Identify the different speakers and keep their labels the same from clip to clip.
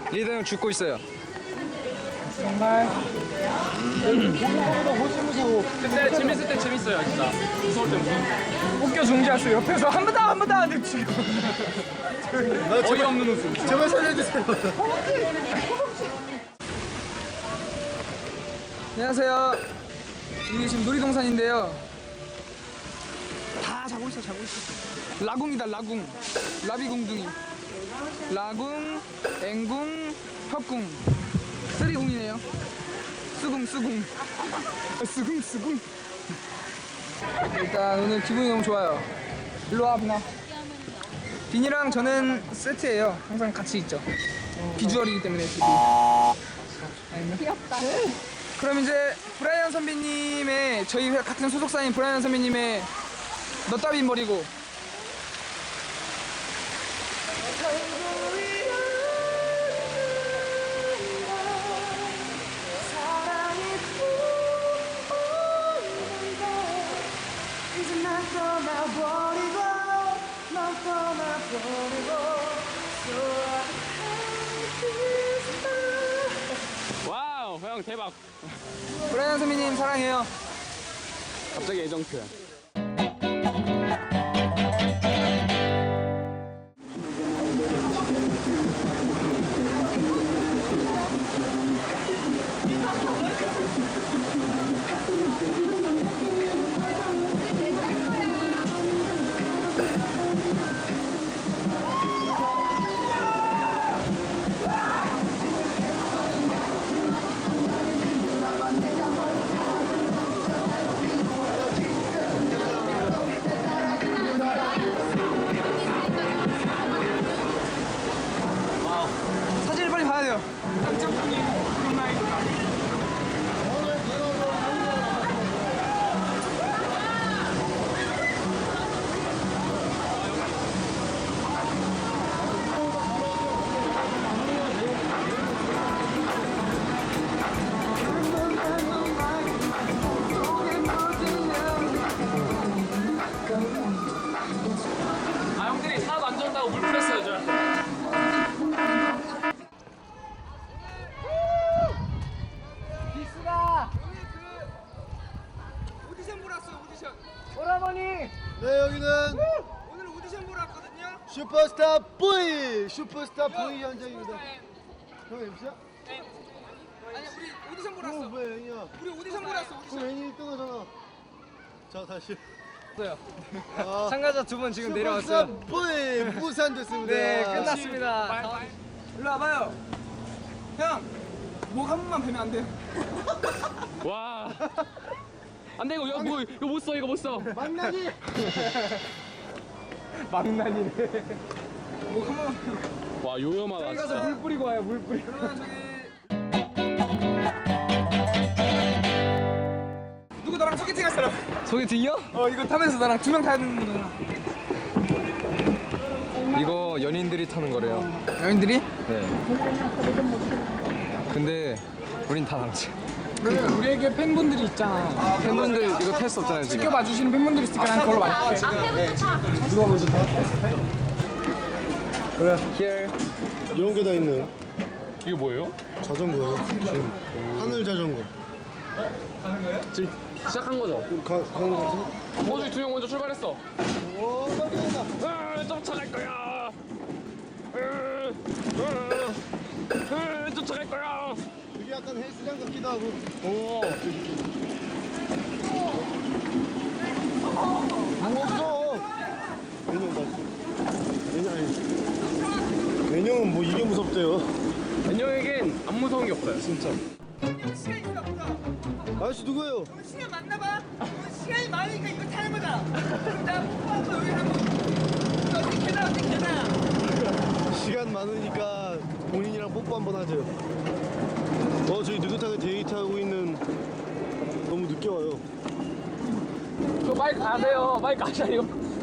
Speaker 1: 리더 형 죽고 있어요.
Speaker 2: 정말 무서워.
Speaker 3: 근데 재밌을 때 재밌어요 진짜. 무서울 때 무서워.
Speaker 2: 웃겨 중지하수 옆에서 한 번 더 하는데 지금
Speaker 3: 어이없는 웃음.
Speaker 4: 제발 살려주세요.
Speaker 2: 안녕하세요. 이게 지금 놀이동산인데요. 다 자고 있어. 라궁이다 라궁. 라비궁둥이. 라궁, 앵궁, 협궁. 쓰리궁이네요. 수궁. 일단 오늘 기분이 너무 좋아요. 일로 와 비나. 비니랑 저는 세트예요. 항상 같이 있죠. 비주얼이기 때문에 둘이. 귀엽다. 그럼 이제 브라이언 선배님의 저희 같은 소속사인 브라이언 선배님의 너 따윈 버리고
Speaker 3: 와우 형 대박.
Speaker 2: 브라이언 선배님 사랑해요.
Speaker 3: 갑자기 애정 표현.
Speaker 2: 사진을 빨리 봐야 돼요.
Speaker 3: 아 형들이 사람 안 좋다고 물 뿌렸어요 저.
Speaker 2: 오디션 보러 왔어요. 오디션.
Speaker 4: 네, 여기는
Speaker 2: 오늘 오디션 보러 왔거든요.
Speaker 4: 슈퍼스타 V 현장입니다. 형 MC야?
Speaker 2: 아니 우리 오디션 보러 왔어.
Speaker 4: 왜 N이야?
Speaker 2: 우리 오디션 보러 왔어. 오디션.
Speaker 4: 그럼 N이 1등하잖아. 자, 다시.
Speaker 2: 참가자 두 분 지금
Speaker 4: 슈퍼스타 V 부산 됐습니다.
Speaker 2: 네, 끝났습니다. 일로 와봐요. 형, 목 한 번만 뵈면 안 돼요?
Speaker 3: 와. 안돼 이거 못 써 이거 못 써.
Speaker 4: 만나니?
Speaker 2: 망나니네. 목 한 번만 뵈면.
Speaker 3: 와 요염하다
Speaker 2: 가서
Speaker 3: 진짜.
Speaker 2: 물 뿌리고 와요. 물 뿌리고. 그러면 저기 누구 나랑 소개팅 할 사람?
Speaker 1: 소개팅이요?
Speaker 2: 이거 타면서 나랑 두 명 타야 되는 거잖아.
Speaker 1: 이거 연인들이 타는 거래요.
Speaker 2: 여인들이?
Speaker 1: 네. 근데 우린 다 남자.
Speaker 2: 그러니까 우리에게 팬분들이 있잖아.
Speaker 1: 팬분들 이거 탈 수 없잖아요 지금.
Speaker 2: 지켜봐 주시는 팬분들이 있으니까 난 그걸로 말할게.
Speaker 1: Here.
Speaker 4: 이런 게 다 있네.
Speaker 3: 이게 뭐예요?
Speaker 4: 자전거요. 지금 하늘 자전거.
Speaker 3: 지금 시작한 거죠?
Speaker 4: 가는 거
Speaker 3: 저기 두 명 먼저 출발했어.
Speaker 4: 오, 빨리다.
Speaker 3: 쫓아갈 거야. 쫓아갈 거야.
Speaker 4: 이게 약간 헬스장 같기도 하고.
Speaker 3: 오.
Speaker 4: 안 없어. 매년 맞지? 매년 아니. 매년은 뭐 이게 무섭대요.
Speaker 3: 안녕에겐 안 무서운 게 없어요.
Speaker 4: 진짜.
Speaker 2: 시간 있어 없어?
Speaker 4: 아저씨 누구예요?
Speaker 2: 시간 많나봐. 시간이 많으니까 이거 타는 거다. 그럼 나 뽀뽀하고 여기 한번 어떻게 계단.
Speaker 4: 시간 많으니까 본인이랑 뽀뽀 한번 하죠. 저희 느긋하게 데이트하고 있는. 너무 늦게 와요.
Speaker 3: 저 빨리 가세요. 빨리 가셔요.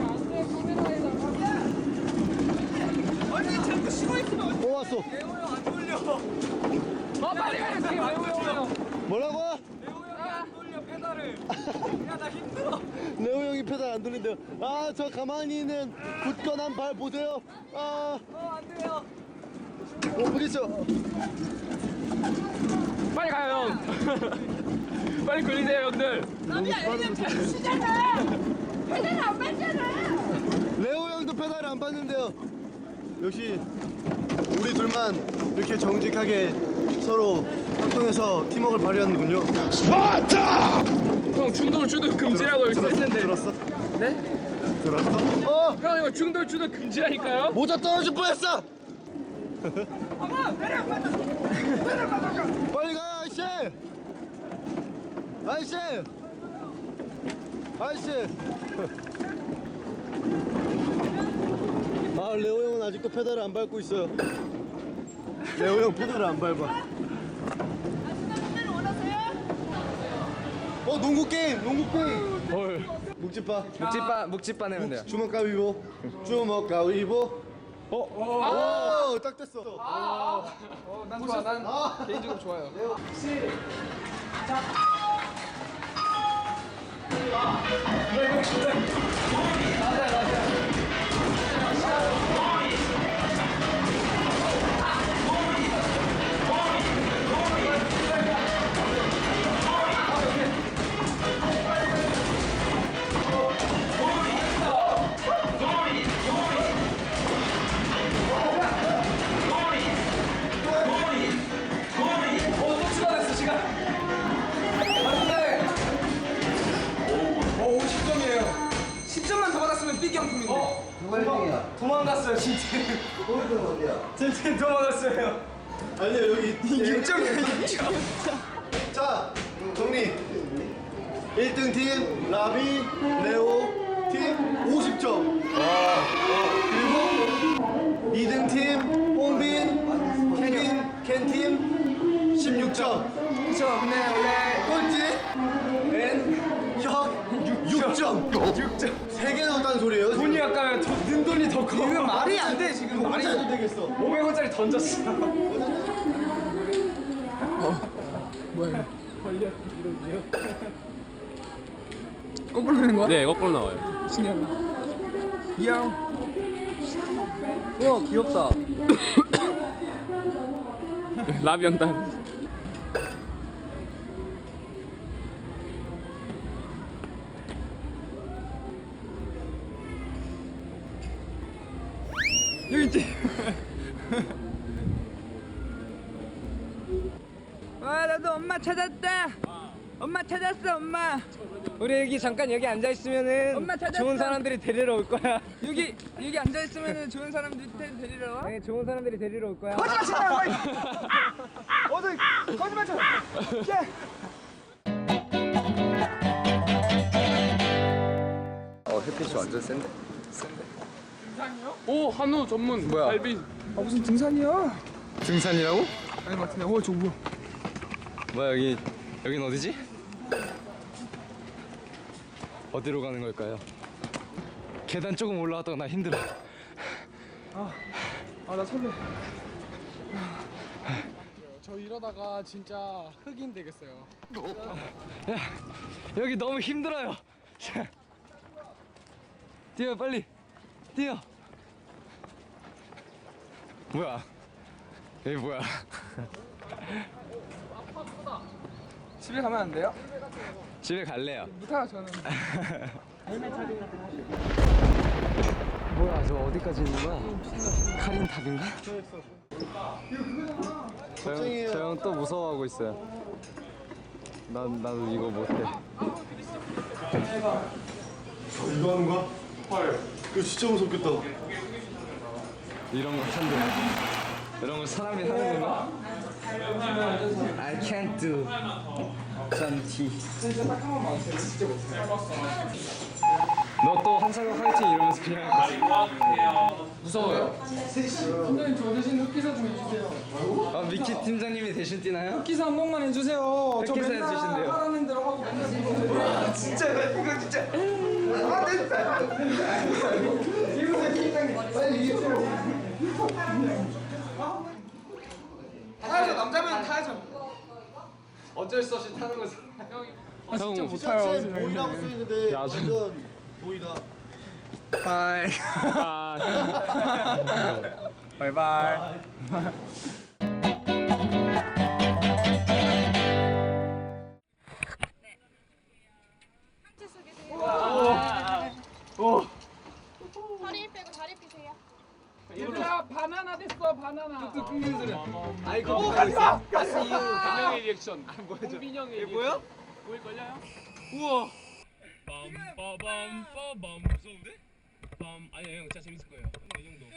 Speaker 2: 언니 자꾸 쉬고 있으면
Speaker 4: 왔어.
Speaker 2: 레오 형안 돌려.
Speaker 3: 빨리 가세요.
Speaker 4: 뭐라고?
Speaker 2: 레오 형이 안 돌려 페달을. 야 나 힘들어.
Speaker 4: 레오 형이 페달 안 돌린대요. 저 가만히 있는 굳건한 발 보세요.
Speaker 2: 안 돼요.
Speaker 4: 부딪혀.
Speaker 3: 빨리 가요 형. 빨리 굴리세요 형들.
Speaker 5: 너비야 여기는 배치잖아. 배달 안 뺐잖아.
Speaker 4: 레오 형도 페달을 안 밟는데요. 역시 우리 둘만 이렇게 정직하게 서로 합동해서 팀워크를 발휘하는군요.
Speaker 3: 형 중돌 주도 금지라고 여기 써있는데.
Speaker 4: 들었어?
Speaker 3: 네?
Speaker 4: 들었어?
Speaker 3: 형 이거 중돌 주도 금지라니까요?
Speaker 4: 모자 떨어질 뻔했어. 빨리 가 아저씨. 아저씨. 아저씨. 아 레오 형은 아직도 페달을 안 밟고 있어요. 레오 형 페달을 안 밟아. 농구 게임.
Speaker 3: 헐.
Speaker 4: 묵찌빠.
Speaker 1: 묵찌빠 내면 돼요.
Speaker 4: 주먹 가위보. 주먹 가위보. 딱 됐어.
Speaker 2: 난 좋아. 난 개인적으로 좋아요. 오, 50점이에요. 10점만 더 받았으면 삐 경품인데.
Speaker 4: 누가 1등이야?
Speaker 2: 도망갔어요, 진짜.
Speaker 4: 골든 어디야?
Speaker 2: 진짜 도망갔어요.
Speaker 4: 아니야 여기
Speaker 2: 6점이에요, 6점.
Speaker 4: 자 정리. 1등 팀 라비 레오 팀 50점. 그리고 2등 팀 홍빈 켄 팀 16점.
Speaker 2: 그쵸, 근데 원래
Speaker 4: 꼴찌 혁 6점. 6점. 3개 나왔다는 소리예요. 지금.
Speaker 2: 돈이 아까면 는 돈이 더 커. 이거 말이 안 돼, 지금.
Speaker 4: 이거
Speaker 2: 말이
Speaker 4: 혼자
Speaker 2: 안
Speaker 4: 해도
Speaker 2: 돼.
Speaker 4: 되겠어.
Speaker 2: 500원짜리 던졌어. 뭐야? 거꾸로 되는 거야?
Speaker 3: 네 거꾸로 나와요.
Speaker 2: 신기하다. 이형.
Speaker 1: 우와 귀엽다.
Speaker 3: 라비 형단.
Speaker 2: 여기 있지. 와 나도 엄마 찾았다. 엄마 찾았어 엄마. 우리 여기 잠깐 여기 앉아 있으면은 엄마 찾았어. 좋은 사람들이 데리러 올 거야. 여기 앉아 있으면은 좋은 사람들이 데리러 와. 네 좋은 사람들이 데리러 올 거야. 거짓말 치지 마. 어디 거짓말 쳐.
Speaker 1: 햇빛이 완전 센데.
Speaker 3: 오 한우 전문
Speaker 1: 뭐야?
Speaker 3: 갈비.
Speaker 2: 아 무슨 등산이야?
Speaker 1: 등산이라고?
Speaker 2: 아니 맞네. 저 뭐야?
Speaker 1: 뭐야 여긴 어디지? 어디로 가는 걸까요? 계단 조금 올라왔다가 나 힘들어.
Speaker 2: 나 설레.
Speaker 6: 저 이러다가 진짜 흑인 되겠어요.
Speaker 1: 야 여기 너무 힘들어요. 뛰어 빨리 뛰어. 뭐야? 여기 뭐야?
Speaker 2: 집에 가면 안 돼요?
Speaker 1: 집에 갈래요.
Speaker 2: 못하요 저는.
Speaker 1: 뭐야 저 어디까지 있는 거야? 카린탑인가? 저 형 또 무서워하고 있어요. 나도 이거 못해.
Speaker 4: 이거 하는 거야? 헐. 이거 진짜 무섭겠다.
Speaker 1: 이런 거 한대. 이런 거 사람이 하는 건가? I can't do something. 너 또 한사람 화이팅 이러면서 그냥
Speaker 2: 무서워요. 팀장님 저 대신 흑기사 좀 해주세요.
Speaker 1: 미키 팀장님이 대신 뛰나요?
Speaker 2: 흑기사 한 번만 해주세요. 저
Speaker 1: 흑기사
Speaker 2: 맨날
Speaker 1: 해주신대요.
Speaker 2: 하라는 대로 하고 맨날. 진짜 이거 진짜. 아 됐다. 이거 팀장님 빨리 이기세요. 타야죠. 남자면 타야죠.
Speaker 1: 어쩔 수 없이 타는 거지.
Speaker 2: 진짜
Speaker 3: 형
Speaker 2: 못타요.
Speaker 4: 보이라고 써있는데 완전 보이다.
Speaker 2: 하이.
Speaker 3: 아,
Speaker 1: 바이바이.
Speaker 5: 허리 빼고 다리 펴세요.
Speaker 6: 얘들아 바나나 됐어 바나나.
Speaker 2: 끊기는 소리. 아이
Speaker 3: 오 가지마. 가스 이후 강영의 리액션. 홍빈형의 리액션.
Speaker 2: 뭐야?
Speaker 3: 보일 걸려요? 우와. 빰빠밤빠밤 무서운데? 빰 아니야 형 진짜 재밌을 거예요. 이 정도.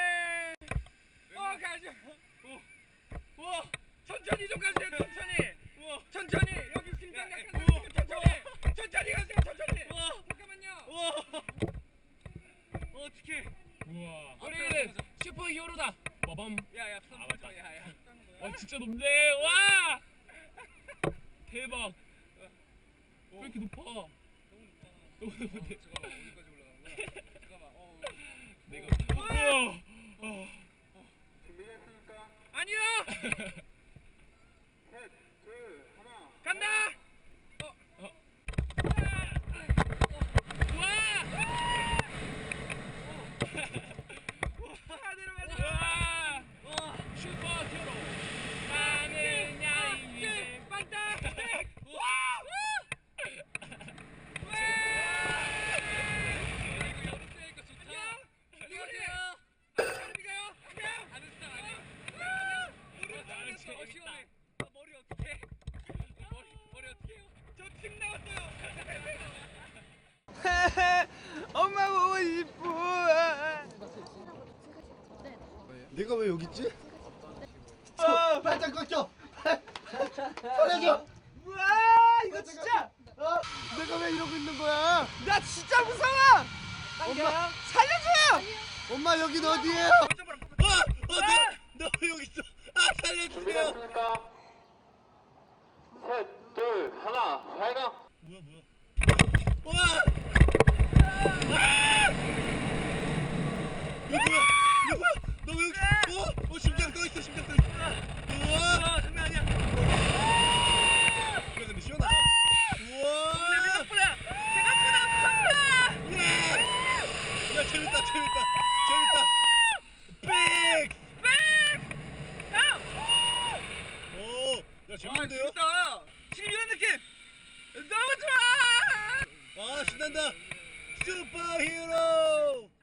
Speaker 2: 가자. 우와. 천천히 좀 가세요. 천천히. 우와. 천천히. 여기 심장 약간 천천히. 천천히 가세요. 천천히. 우와. 잠깐만요. 우와. 어떡해.
Speaker 3: 우와. 우리는 슈퍼 히어로다. 빠밤.
Speaker 2: 야야.
Speaker 3: 아 맞다.
Speaker 2: 야야.
Speaker 3: 와 진짜 높네. 와. 대박. 왜 이렇게 높아? 너무 높은데.
Speaker 2: 잠깐만. 어디까지 올라가는 거야? 잠깐만.
Speaker 3: 내가. 우와.
Speaker 2: 준비됐습니까? 아니요. 셋, 둘, 하나. 간다.
Speaker 3: 슈퍼 히어로. 나는 야이
Speaker 2: 빵따. 엄마 보고 싶어.
Speaker 4: 내가 왜 여기 있지? 발짝 꺾여. 살려줘.
Speaker 2: 우와 이거 진짜
Speaker 4: 내가 왜 이러고 있는 거야?
Speaker 2: 나 진짜 무서워.
Speaker 4: 엄마,
Speaker 2: 살려줘.
Speaker 4: 엄마 여긴 어디예요?
Speaker 1: 너 여기 있어. 아 살려주세요.
Speaker 3: 셋, 둘, 하나, 발광.
Speaker 1: 와. 너 왜 여기? 심장 떠 있어. 심장 떠 있어. 우와. 장난 아니야. 이거 근데 시원하다. 우와. 생각보다 무섭다. 야 재밌다. 백. 오. 야 재밌는데요?
Speaker 2: 지금 이런 느낌 너무 좋아.
Speaker 1: 아 신난다. 슈퍼히어로.